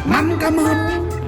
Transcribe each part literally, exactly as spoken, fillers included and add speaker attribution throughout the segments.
Speaker 1: มันกระมึน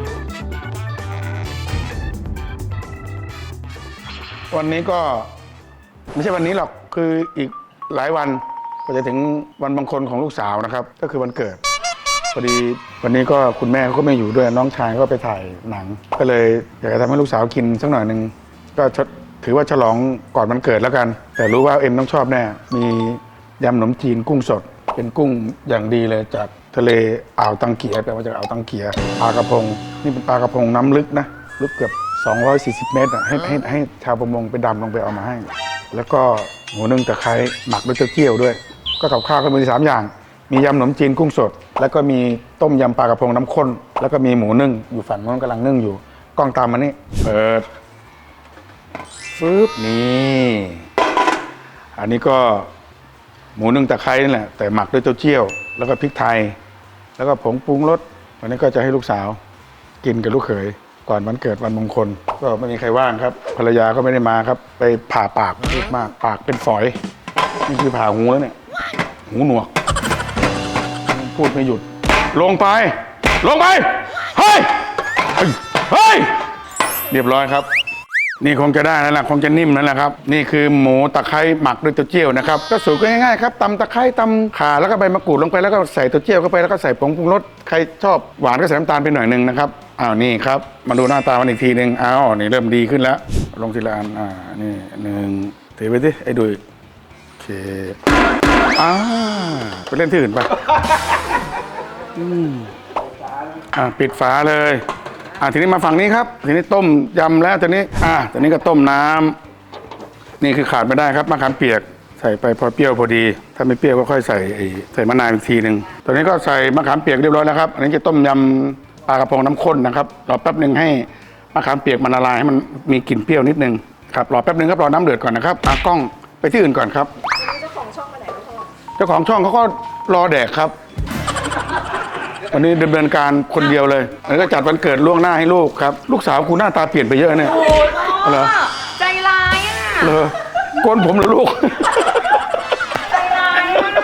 Speaker 1: วันนี้ก็ไม่ใช่วันนี้หรอกคืออีกหลายวันก็จะถึงวันมงคลของลูกสาวนะครับก็คือวันเกิดพอดีวันนี้ก็คุณแม่เขาก็ไม่อยู่ด้วยน้องชายก็ไปถ่ายหนังก็เลยอยากจะทำให้ลูกสาวกินสักหน่อยหนึ่งก็ถือว่าฉลองก่อนวันเกิดแล้วกันแต่รู้ว่าเอ็มต้องชอบแน่มียำขนมจีนกุ้งสดเป็นกุ้งอย่างดีเลยจากทะเลอ่าวตังเกียแปลว่าจากอ่าวตังเกียปลากระพงนี่เป็นปลากระพงน้ำลึกนะลึกเกือบสองร้อยสี่สิบเมตรอ่ะให้ให้ให้ชาวประมงไปดำลงไปเอามาให้แล้วก็หมูนึ่งตะไคร้หมักด้วยเต้าเจี้ยวด้วยก็กับข้าวก็มีสามอย่างมียำขนมจีนกุ้งสดแล้วก็มีต้มยำปลากระพงน้ำข้นแล้วก็มีหมูนึ่งอยู่ฝั่งโน้นกำลังนึ่งอยู่กล้องตามมานี่เปิดฟึบนี่อันนี้ก็หมูนึ่งตะไคร้นี่แหละแต่หมักด้วยเต้าเจี้ยวแล้วก็พริกไทยแล้วก็ผงปรุงรสวันนี้ก็จะให้ลูกสาวกินกับลูกเขยก่อนวันเกิดวันมงคลก็ไม่มีใครว่างครับภรรยาก็ไม่ได้มาครับไปผ่าปากพูดมากปากเป็นฝอยนี่คือผ่าหูแล้วเนี่ยหูหนวกพูดไม่หยุดลงไปลงไปเฮ้ยเฮ้ยเรียบร้อยครับนี่คงจะได้แล้วล่ะคงจะนิ่มแล้วล่ะครับนี่คือหมูตะไคร้หมักด้วยเต้าเจี้ยวนะครับก็สูตรก็ง่ายๆครับตำตะไคร้ตำข่าแล้วก็ใบมะกรูดลงไปแล้วก็ใส่เต้าเจี้ยวเข้าไปแล้วก็ใส่ผงปรุงรสใครชอบหวานก็ใส่น้ำตาลไปหน่อยนึงนะครับอ้าวนี่ครับมาดูหน้าตามันอีกทีหนึ่งอ้าวนี่เริ่มดีขึ้นแล้วลงทีละอันอ่านี่หนึ่งถือไปสิไอ้ดุยโอเคอ่าไปเล่นที่อื่นไปอืมอ่าปิดฝาเลยอ่าทีนี้มาฝั่งนี้ครับทีนี้ต้มยำแล้วทีนี้อ่าทีนี้ก็ต้มน้ำนี่คือขาดไม่ได้ครับมะขามเปียกใส่ไปพอเปรี้ยวพอดีถ้าไม่เปรี้ยวก็ค่อยใส่ใส่มะนาวอีกทีหนึ่งตอนนี้ก็ใส่มะขามเปียกเรียบร้อยแล้วครับอันนี้จะต้มยำปลากระพงน้ำข้นนะครับรอแป๊บหนึ่งให้มะขามเปียกมันละลายให้มันมีกลิ่นเปรี้ยวนิดนึงครับรอแป๊บหนึ่งครับรอน้ำเดือดก่อนนะครับเอากล้องไปที่อื่นก่อนครับเจ้าของช่องไปไหนแล้วพ่อเจ้าของช่องเขาก็รอแดกครับวันนี้ดำเนินการคนเดียวเลยแล้วก็จัดวันเกิดล่วงหน้าให้ลูกครับลูกสาวกูหน้าตาเปลี่ยนไปเยอะเนี่ยโอ้ยเหรอ
Speaker 2: ใจร้ายอ่ะ
Speaker 1: เหรอโกนผมเหรอลูก
Speaker 2: ใจร้ายอ่ะ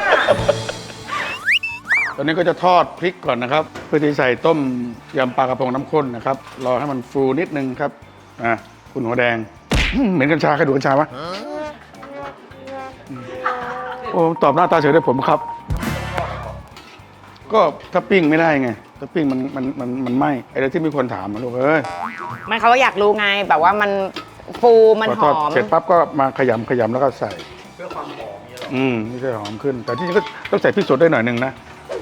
Speaker 1: ตอนนี้ก็จะทอดพริกก่อนนะครับเพื่อที่ใส่ต้มยำปลากระพงน้ำข้นนะครับรอให้มันฟูนิดนึงครับอ่ะคุณหัวแดงเหมือนกัญชาใครดูกัญชาวะโอ้ตอบหน้าตาเฉยได้ผมครับก็ถ้าปิ้งไม่ได้ไงถ้าปิ้งมันมันมันมันไหม้ไอ้ที่มีคนถามมาลูกเอ้ย
Speaker 2: มันเขาก็อยากรู้ไงแบบว่ามันฟูมันหอม
Speaker 1: เสร็จปั๊บก็มาขยำขยำแล้วก็ใส่เพื่อความหอมอืมนี่จะหอมขึ้นแต่ที่จริงก็ต้องใส่พริกสดได้หน่อยนึงนะ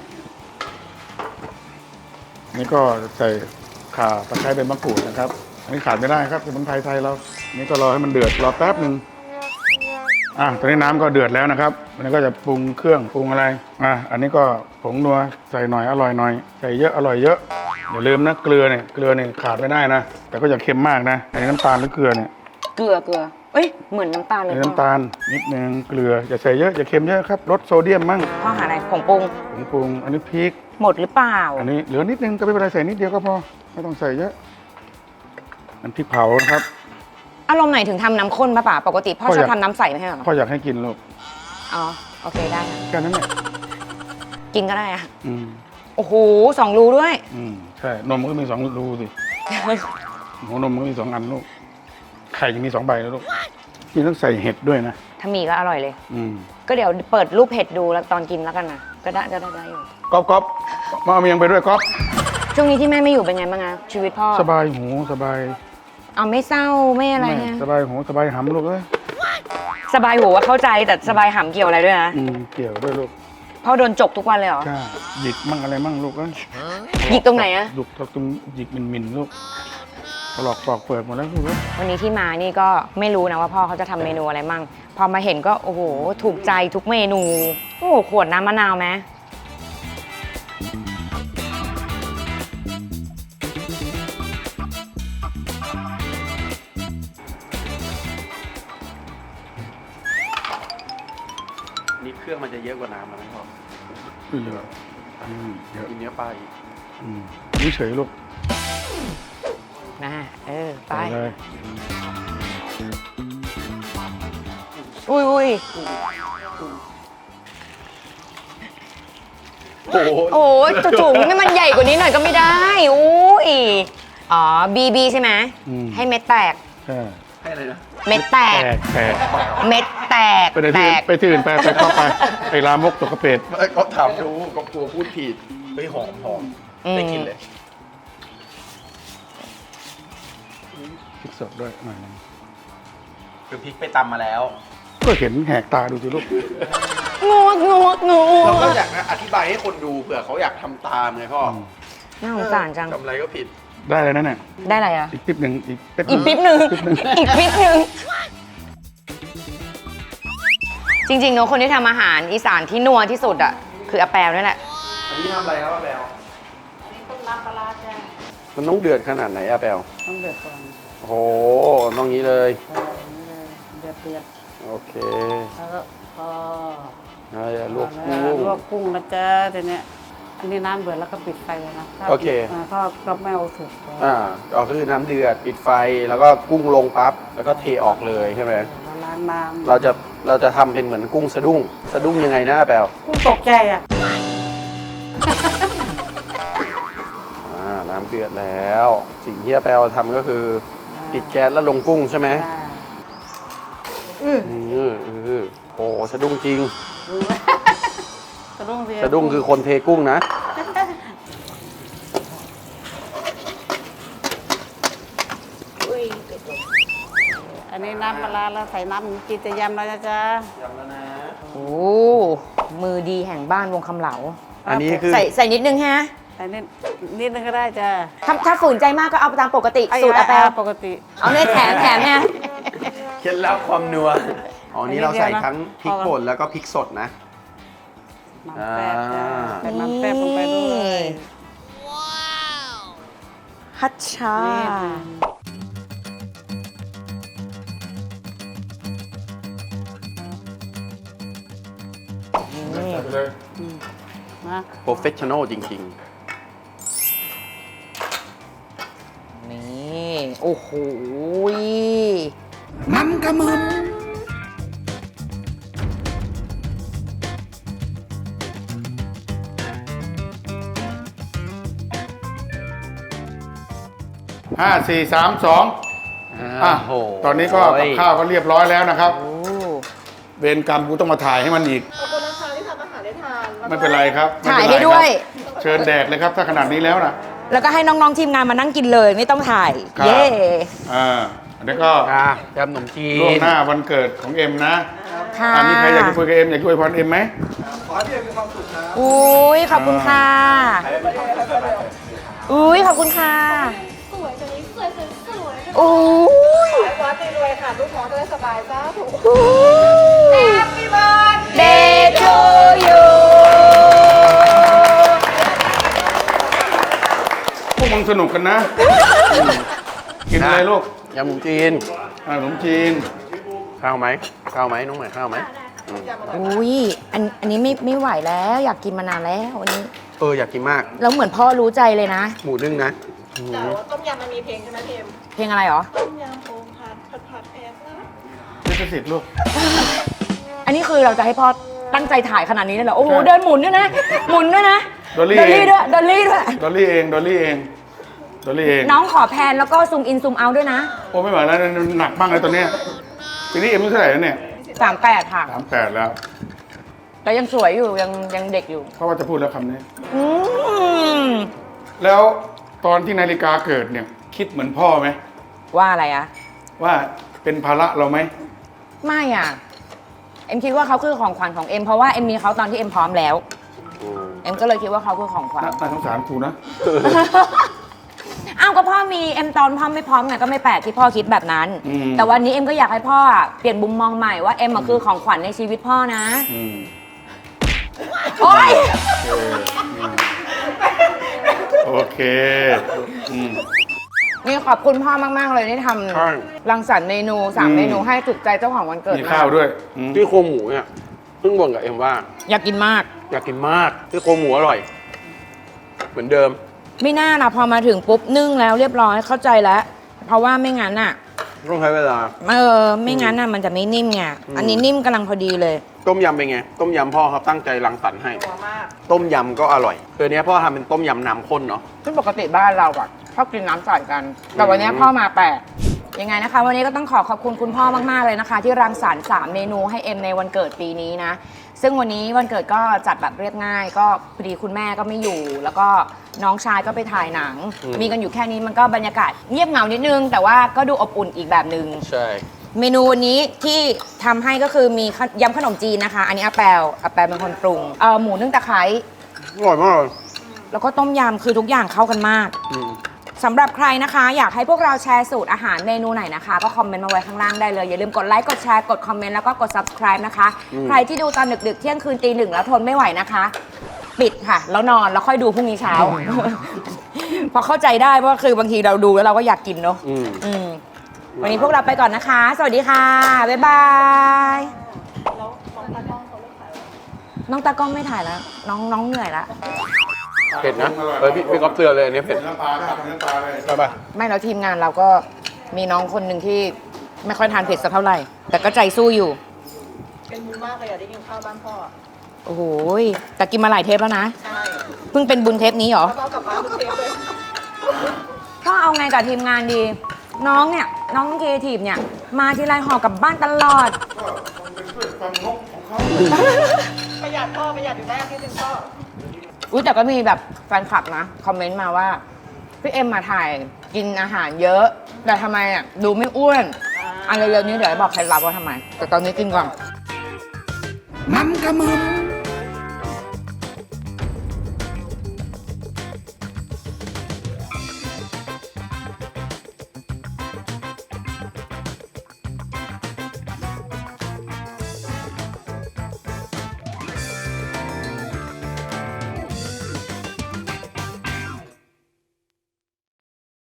Speaker 1: นี่ก็ใส่ข่าตะไคร้ใบมะกรูดนะครับอันนี้ขาดไม่ได้ครับสมุนไพรไทยเรานี่ก็รอให้มันเดือดรอแป๊บหนึ่งอ่ะตอนนี้น้ำก็เดือดแล้วนะครับอันนี้ก็จะปรุงเครื่องปรุงอะไรอ่ะอันนี้ก็ผงนัวใส่หน่อยอร่อยหน่อยใส่เยอะอร่อยเยอะอย่าลืมนะเกลือเนี่ยเกลือเนี่ยขาดไม่ได้นะแต่ก็อย่าเค็มมากนะอันนี้น้ำตาลหรือเกลือเนี่ย
Speaker 2: เกลือเกลือเอ้ยเหมือนน้ำตาลเลย
Speaker 1: น้ำตาลนิดนึงเกลืออย่าใส่เยอะอย่าเค็มเยอะครับลดโซเดียมมั่ง
Speaker 2: ข้อหาอะไรผงปรุง
Speaker 1: ผงปรุงอันนี้พริก
Speaker 2: หมดหรือเปล่า
Speaker 1: อันนี้เหลือนิดนึงก็ไม่เป็นไรใส่นิดเดียวก็พอไม่ต้องใส่เยอะอันพริกเผานะครับ
Speaker 2: อารมณ์ไหนถึงทำน้ำข้นป่ะป่าปกติพ่อชอบทำน้ำใสไม่ใช่หรอ
Speaker 1: พ่ออยากให้กินลูก
Speaker 2: อ๋อโอเคได้ค่ะ
Speaker 1: แค่นั้นแหละ
Speaker 2: กินก็ได้อะ
Speaker 1: อืม
Speaker 2: โอ้โหสองรูด้วย
Speaker 1: อืมใช่นมก็มีสองรูสิหัวนมก็มีสองอันลูกไข่ยังมีสองใบแล้วลูกนี่ต้องใส่เห็ดด้วยนะ
Speaker 2: ถ้ามีก็อร่อยเลย
Speaker 1: อืม
Speaker 2: ก็เดี๋ยวเปิดรูปเห็ดดูแล้วตอนกินแล้วกันนะก็ได้ก็ได้ได้อยู่
Speaker 1: ก๊อฟก๊อฟมาเอาเมียงไปด้วยก๊อฟ
Speaker 2: ช่วงนี้ที่แม่ไม่อยู่เป็นไงบ้างอะชีวิตพ่อ
Speaker 1: สบายหูสบาย
Speaker 2: เอาไม่เศร้าไม่อะไรฮะ
Speaker 1: สบายหูสบายหำลูกเอ้ย
Speaker 2: สบายหูว่าเข้าใจแต่สบายหำเกี่ยวอะไรด้วยนะ
Speaker 1: อืมเกี่ยวด้วยลูก
Speaker 2: พ่อโดนจกทุกวันเลยเหรอ
Speaker 1: ใช่หยิกมั่งอะไรมั่งลูกเอ้ย
Speaker 2: หยิกตรงไหนอะ
Speaker 1: หยิกตรงหยิกมินมินลูกถลอกปอกเปิดหมดแล้วลูก
Speaker 2: วันนี้ที่มานี่ก็ไม่รู้นะว่าพ่อเขาจะทำเมนูอะไรมั่งพอมาเห็นก็โอ้โหถูกใจทุกเมนูโอ้โหขวดน้ำมะนาวไหม
Speaker 3: นี่เครื่องมันจะเยอะกว่าน้ำนะพ่อ
Speaker 1: เยอะเยอะ
Speaker 3: กินเนื้อปลาอีก
Speaker 1: นี่เฉยลูก
Speaker 2: นะเออไป
Speaker 1: เลย
Speaker 2: อุ้ยอุ้ย
Speaker 3: โอ้โห
Speaker 2: โอ้ยจุ๋มให้มันใหญ่กว่านี้หน่อยก็ไม่ได้อุ้ยอ๋อบีบีใช่ไหม
Speaker 1: อืม
Speaker 2: ให้เม็ดแตก
Speaker 1: ใช่
Speaker 3: ให้อะไรนะ
Speaker 2: เม็ดแต
Speaker 1: แต
Speaker 2: ก
Speaker 1: กแตก
Speaker 2: เม็ดแตก
Speaker 1: ไปที่
Speaker 2: แต
Speaker 1: อื่น
Speaker 2: ก
Speaker 1: ไปที่อื่นไปไปเข้าไปไปลามกตกกระเป็ด
Speaker 3: ก็ถามดูก็กลัวพูดผิดเฮ้ยหอมหอม
Speaker 2: อืม
Speaker 3: ได้กินเลย
Speaker 1: พริกสดด้วยหน่อยนึง
Speaker 3: คือพริกไปตำมาแล้ว
Speaker 1: ก็เห็นแหกตาดูสิลูก
Speaker 2: งวกงวกงว
Speaker 3: เราก็
Speaker 2: ก
Speaker 3: อยากนะอธิบายให้คนดูเผื่อเขาอยากทำตามไงพ่ออ
Speaker 2: น่าสงสารจัง
Speaker 3: ทำอะไรก็ผิด
Speaker 1: ได้เลยนะเนี่ย
Speaker 2: ได้อะไรอ่ะ
Speaker 1: อีกปิ๊บหนึ่งอีกปิ๊บ
Speaker 2: อีกปิ๊บหนึ่งอีกปิ๊บหนึ่งจริงๆเนอะคนที่ทำอาหารอีสานที่นัวที่สุดอ่ะคืออาแปวนี่แหละ
Speaker 3: อันนี้ทำอะไรครับอาแปลมันต้องเดือดขนาดไหนอาแปล
Speaker 4: ต้องเดือดก่อน
Speaker 3: โอ้โหต้องงี้เลย
Speaker 4: เอออย่างนี้เลยเดือดเดือด
Speaker 3: โอเค
Speaker 4: แล้วก็พอ
Speaker 3: อ่าลวก
Speaker 4: แล้
Speaker 3: กุ้ง
Speaker 4: ลวกกุ้งนะจ๊ะทีเนี้ยอันนี้น้ำเดือดแล้วก็ปิดไฟเลยนะถ้า
Speaker 3: โอเค
Speaker 4: ปิดาก็ก็ไม่เอาสุก
Speaker 3: อ่าก็คือน้ำเดือดปิดไฟแล้วก็กุ้งลงปั๊บแล้วก็เทออกเลยใช่ไหม
Speaker 4: แล้วล้างน้ำ
Speaker 3: เราจะเราจะทำเป็นเหมือนกุ้งสะดุ้งสะดุ้งยังไงนะอาแปล
Speaker 4: กุ้งตกใจอ่ะ
Speaker 3: อ่าน้ำเดือดแล้ว สิ่งที่อาแปลทำก็คือปิดแก๊สแล้วลงกุ้งใช่ไหม
Speaker 4: อ่าอือ
Speaker 3: อืออือโอ้สะดุ้งจริง
Speaker 4: สะดุ้งสิ
Speaker 3: สะดุ้งคือคนเทกุ้งนะ
Speaker 4: อันนี้น้ำปลาร้าแล้วใส่น้ำหมูจีนจะยำแล้วนะจ๊ะ
Speaker 3: ยำแล้วนะ
Speaker 2: โอ้มือดีแห่งบ้านวงคำเหลา
Speaker 3: อันนี้คือ
Speaker 2: ใส่ใส่นิดนึงฮะ
Speaker 4: ใส่นิดนิดนึงก็ได้จ้ะ
Speaker 2: ถ้าถ้าฝืนใจมากก็เอาตามปกติสูตรอาแปว
Speaker 4: ปกติ
Speaker 2: เอาเนี่ยแถมแถมเนี่ย
Speaker 3: เคล็ดลับความนัว อ๋อ นี่เราใส่
Speaker 4: อันนี้เดียวนะ
Speaker 3: ทั้งพริกป่นแล้วก็พริกสดนะ
Speaker 4: น้ำแป๊บจ้ะ
Speaker 3: อ่า
Speaker 4: ใส่น้ำแป๊บลงไปด้วย
Speaker 2: ฮัชชา นี่
Speaker 1: เลย
Speaker 4: นะ
Speaker 3: โปรเฟชชั่นอลจริง
Speaker 2: นี่ โอ้โห
Speaker 1: มันกระมึนห้าสี่สามสอง
Speaker 3: ๆ
Speaker 1: อ่ะ
Speaker 3: โอ้โห
Speaker 1: ตอนนี้ก็กับข้าวก็เรียบร้อยแล้วนะครับ
Speaker 2: โอ้
Speaker 1: เวรกรรมกูต้องมาถ่ายให้มันอีก
Speaker 5: ขอบคุณนะคะที่ทำอาหารได้ทานแล้วก็
Speaker 1: ไม่เป็นไรครับไม่
Speaker 2: ถ่าย
Speaker 1: เป็นไร
Speaker 2: ให้ด้วย
Speaker 1: ครับเชิญแดกเลยครับ ถ้าขนาดนี้แล้วนะ
Speaker 2: แล้วก็ให้น้องๆทีมงานมานั่งกินเลย ไม่ต้องถ่าย
Speaker 1: ครับ
Speaker 2: เย้
Speaker 1: อ่าอันนี้ก็
Speaker 3: อ่ะยำขนมจี
Speaker 1: ล่วง
Speaker 3: น
Speaker 1: หน้าวันเกิดของเอ็มนะ
Speaker 2: ค่ะ
Speaker 1: อันนี้ใครอยากจะคุยกับเอ็มอยากจะคุยพรเอ็มไหม
Speaker 2: อุ้ยขอบคุณค่ะ อุ้ยขอบคุณค่ะ
Speaker 5: สวยจังนี้สวยสวยสวย
Speaker 2: อุ้ย
Speaker 5: วัดรวยๆค่ะ ลูกน้องจะได้สบายจ้าถูก
Speaker 2: Happy birthday to you
Speaker 1: พวกมึงสนุกกันนะอืมกินอะไรลูก
Speaker 3: ยำขนมจีน
Speaker 1: อ่าขนมจีน
Speaker 3: ข้าวไหมข้าวไหมน้องใหม่ข้าวไหมอืม
Speaker 2: อุ้ยอันอันนี้ไม่ไม่ไหวแล้ว อยากกินมานานแล้วอันนี้
Speaker 3: เอออยากกินมาก
Speaker 2: แล้วเหมือนพ่อรู้ใจเลยนะ
Speaker 3: หมูนึ่งนะอืม
Speaker 5: แต่ว่าต้มยำมันมีเพลงใช่ไหมเพม
Speaker 2: เพลงอะไรหรอ
Speaker 5: ต้มยำโอ่งผัดผัดผัดแพงนะ
Speaker 1: ลิขสิทธิ์ลูก
Speaker 2: อันนี้คือเราจะให้พ่อตั้งใจถ่ายขนาดนี้เลยเหรอ โอ้โห เดินหมุนด้วยนะ หมุนด้วยนะ
Speaker 1: ดอลลี่
Speaker 2: ดอลลี่
Speaker 1: เอง
Speaker 2: ด้วย ดอลลี่ด้วย
Speaker 1: ดอลลี่เองดอลลี่เองดอลลี่เอง
Speaker 2: น้องขอแพนแล้วก็ซูมอินซูมเอาด้วยนะ
Speaker 1: โอ้ไม่ไหวแล้วหนักมากเลยตอนเนี้ยปีนี้เอ็มอายุเท่าไหร่แล้วเนี่ย
Speaker 2: สามแปดค่ะ
Speaker 1: สามแปดแล้ว
Speaker 2: แต่ยังสวยอยู่ ยังยังเด็กอยู่
Speaker 1: เพราะว่าจะพูดแล้วคำนี้
Speaker 2: อืม
Speaker 1: แล้วตอนที่นาฬิกาเกิดเนี่ย คิดเหมือนพ่อไหม
Speaker 2: ว่าอะไรอะ
Speaker 1: ว่าเป็นภาระเราไหม
Speaker 2: ไม่อ่ะ เอ็มคิดว่าเขาคือของขวัญของเอ็มเพราะว่าเอ็มมีเขาตอนที่เอ็มพร้อมแล้ว
Speaker 3: อืม
Speaker 2: เอ็มก็เลยคิดว่าเขาคือของขวัญ
Speaker 1: น่าน่าสงสารกูนะ
Speaker 2: อ้าวก็พ่อมีเอ็มตอนพ่อไม่พร้อมไงก็ไม่แปลกที่พ่อคิดแบบนั้น
Speaker 1: อืม
Speaker 2: แต่วันนี้เอ็มก็อยากให้พ่ออะเปลี่ยนมุมมองใหม่ว่าเอ็มอะคือของขวัญในชีวิตพ่อนะ
Speaker 1: อืม
Speaker 2: โอ๊ย
Speaker 1: โอเคอืม
Speaker 2: นี่ขอบคุณพ่อมาก ๆ เลยที่ท
Speaker 3: ใช่
Speaker 2: ำรังสรรค์เมนูสาม
Speaker 1: อืม
Speaker 2: เมนูให้ถูกใจเจ้าของวันเกิด
Speaker 1: มีข้าวด้วยอืม
Speaker 3: ที่โครงหมูเนี่ยเพิ่งบ่นกับเอ็มว่า
Speaker 2: อยากกินมาก
Speaker 3: อยากกินมากที่โครงหมูอร่อย เหมือนเดิม
Speaker 2: ไม่น่านะพอมาถึงปุ๊บนึ่งแล้วเรียบร้อยเข้าใจแล้ว เพราะว่าไม่งั้นน่ะ
Speaker 3: ต้องใช้เวลา
Speaker 2: เออไม่งั้นน่ะมันจะไม่นิ่มไงอันนี้นิ่มกำลังพอดีเลย
Speaker 3: ต้มยำเป็นไง ต้มยำพ่อเขาตั้งใจรังสรรค์ให้
Speaker 5: นัวมาก
Speaker 3: ต้มยำก็อร่อยคือเนี้ยพ่อทำเป็นต้มยำน้ำข้นเนาะ
Speaker 2: ซึ่งปกติบ้านเราอะชอบกินน้ำใสกัน แต่วันนี้พ่อมาแปลกยังไงนะคะ วันนี้ก็ต้องขอขอบคุณคุณพ่อมากๆเลยนะคะ ที่รังสรรค์สามเมนูให้เอ็มในวันเกิดปีนี้นะ ซึ่งวันนี้วันเกิดก็จัดแบบเรียบง่าย ก็พอดีคุณแม่ก็ไม่อยู่ แล้วก็น้องชายก็ไปถ่ายหนัง มีกันอยู่แค่นี้มันก็บรรยากาศเงียบเหงานิดนึง แต่ว่าก็ดูอบอุ่นอีกแบบนึง
Speaker 3: ใช่
Speaker 2: เมนูวันนี้ที่ทำให้ก็คือมียำขนมจีนนะคะ อันนี้อาแปลอาแปลเป็นคนปรุงเออหมูนึ่งตะไคร้
Speaker 3: อร่อยมากเลย
Speaker 2: แล้วก็ต้มยำคือทุกอย่างเข้ากันมาก
Speaker 3: อืม
Speaker 2: สำหรับใครนะคะ อยากให้พวกเราแชร์สูตรอาหารเมนูไหนนะคะ ก็คอมเมนต์มาไว้ข้างล่างได้เลย อย่าลืมกดไลค์กดแชร์กดคอมเมนต์แล้วก็กด subscribe นะคะ ใครที่ดูตอนดึกๆ เที่ยงคืนตีหนึ่งแล้วทนไม่ไหวนะคะ ปิดค่ะ แล้วนอนแล้วค่อยดูพรุ่งนี้เช้า พอเข้าใจได้ว่าคือบางทีเราดูแล้วเราก็อยากกินเนาะ
Speaker 3: อืม
Speaker 2: อืมวันนี้พวกเราไปก่อนนะคะ สวัสดีค่ะ บ๊ายบาย
Speaker 5: แล้วน้องตากล้องเขาเลิกขายแล้ว
Speaker 2: น้องตากล้องไม่ถ่ายแล้ว น้องน้องเหนื่อยละ
Speaker 3: เผ็ดนะเฮ้ยพี่พี่ก๊อฟเตือนเลยอันนี้เผ็ด
Speaker 1: เนื้อปลาได้เนื้อปลาเลย
Speaker 3: ใช่ป่ะ
Speaker 2: ไม่แล้วทีมงานเราก็มีน้องคนหนึ่งที่ไม่ค่อยทานเผ็ดสักเท่าไหร่ แต่ก็ใจสู้อยู่
Speaker 5: เป็นบุญมากเลยอ่ะได้กินข้าวบ้านพ่ออะ
Speaker 2: โอ้โหยแต่กินมาหลายเทปแล้วนะ
Speaker 5: ใช่
Speaker 2: เพิ่งเป็นบุญเทปนี้เหรอ
Speaker 5: แล้วก็เอากลับบ้านทุกเทปเลย
Speaker 2: พ่อเอาไงกับทีมงานดี น้องเนี่ย น้องครีเอทีฟเนี่ย มาทีไรห่อกลับบ้านตลอด
Speaker 1: ก็มันเป็นพืชความงกของเขา
Speaker 5: ประหยัดพ่อประหยัดอยู่แน่ที่จริงพ่อ
Speaker 2: อุ้ยแต่ก็มีแบบแฟนคลับนะ คอมเมนต์มาว่า พี่เอ็มมาถ่ายกินอาหารเยอะ แต่ทำไมอ่ะดูไม่อ้วนอันเร็วๆนี้เดี๋ยวจะบอกเคล็ดลับว่าทำไม แต่ตอนนี้กินก่อน
Speaker 6: มันกระมึม